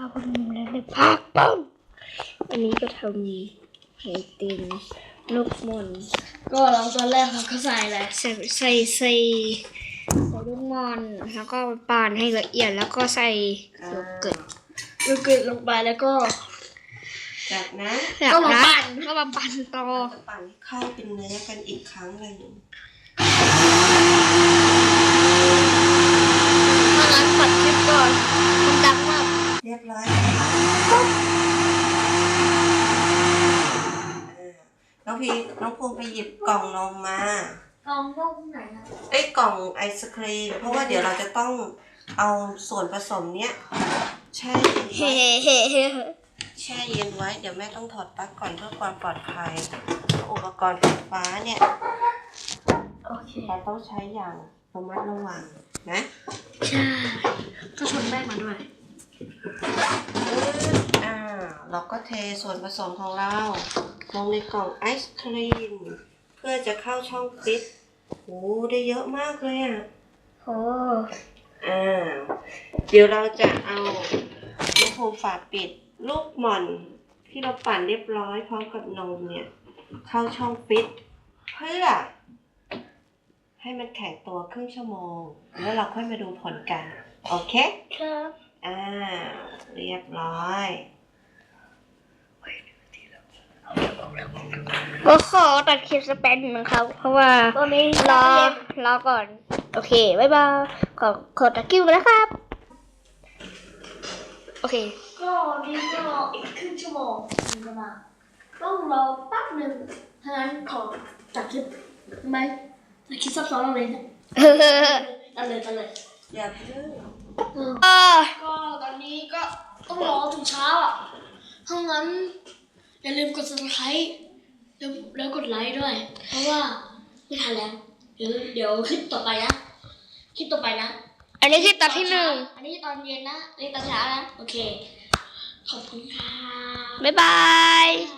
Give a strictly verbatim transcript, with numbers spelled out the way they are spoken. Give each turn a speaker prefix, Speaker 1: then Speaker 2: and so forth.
Speaker 1: บนแล้วเลยพักปังอันนี้ก็ทำไข่ติมลูกมอนก็เราตอนแรกเราก็ใส่แหละใส่ใส่ใส่ใส่ลูกมอนแล้วก็ปั่นให้ละเอียดแล้วก็ใส่โยเกิร์ตโยเกิร์ตลงไปแล้วก็
Speaker 2: จากนั้น
Speaker 1: ก็มาปั่นก็มาปั่นต่อ
Speaker 2: จะปั่นให้เข้าเป็นเนื้อกันอีกครั้งหนึ่ง
Speaker 1: ถ้างั้นปัดคลิปก่อนมันดังมาก
Speaker 2: เรียบร้อยน้องพีน้องภูมิไปหยิบกล่องนมมาก
Speaker 1: ล่องนมไหนครับ
Speaker 2: ไอ้กล่องไอศครีมเพราะว่าเดี๋ยวเราจะต้องเอาส่วนผสมเนี้ยแช่เฮ้เฮ้เฮ้แช่เย็นไว้เดี๋ยวแม่ต้องถอดปลั๊กก่อนเพื่อความปลอดภัยอุปกรณ์ไฟฟ้าเนี่ย
Speaker 1: โอเค
Speaker 2: เราต้องใช้อย่างระมัดระวังนะ
Speaker 1: ใช่ก็ชนแป้งมาด้วย
Speaker 2: อ่าเราก็เทส่วนผสมของเราลงในกล่องไอศครีมเพื่อจะเข้าช่องฟิตโอ้ได้เยอะมากเลยอ่ะ
Speaker 1: โอ้
Speaker 2: อ่าเดี๋ยวเราจะเอาลูกโฮมฝาปิดลูกหม่อนที่เราปั่นเรียบร้อยพร้อมกับนมเนี่ยเข้าช่องฟิตเพื่อให้มันแข็งตัวครึ่งชั่วโมงแล้วเราค่อยมาดูผลกันโอเค
Speaker 1: ครับ
Speaker 2: อ่าเรียบร้อย
Speaker 1: ก็ขอตัดคลิปสเปนนะครับเพราะว่าตอนนี้รอรอก่อนโอเคบ๊ายบายขอขอตัดคลิปนะครับโอเคก็นี่ก็รออีกครึ่งชั่วโมงถึงจะมาต้องรอแป๊บหนึ่งถ้างั้นขอตัดคลิปไหมตัดคลิปซับซ้อนอะไรนะตัดเลยตัดเลย
Speaker 2: อย่าเพิ่ง
Speaker 1: ก็ตอนนี้ก็ต้องรอถึงเช้าอ่ะถ้างั้นอย่าลืมกด ซับสไครบ์ แล้วแล้วกดไลค์ด้วยเพราะว่าไม่ทันแล้วเดี๋ยวเดี๋ยวคลิปต่อไปนะคลิปต่อไปนะอันนี้คลิปตอนที่หนึ่งอันนี้ตอนเย็นนะอันนี้ตอนเช้านะโอเคขอบคุณค่ะบ๊ายบาย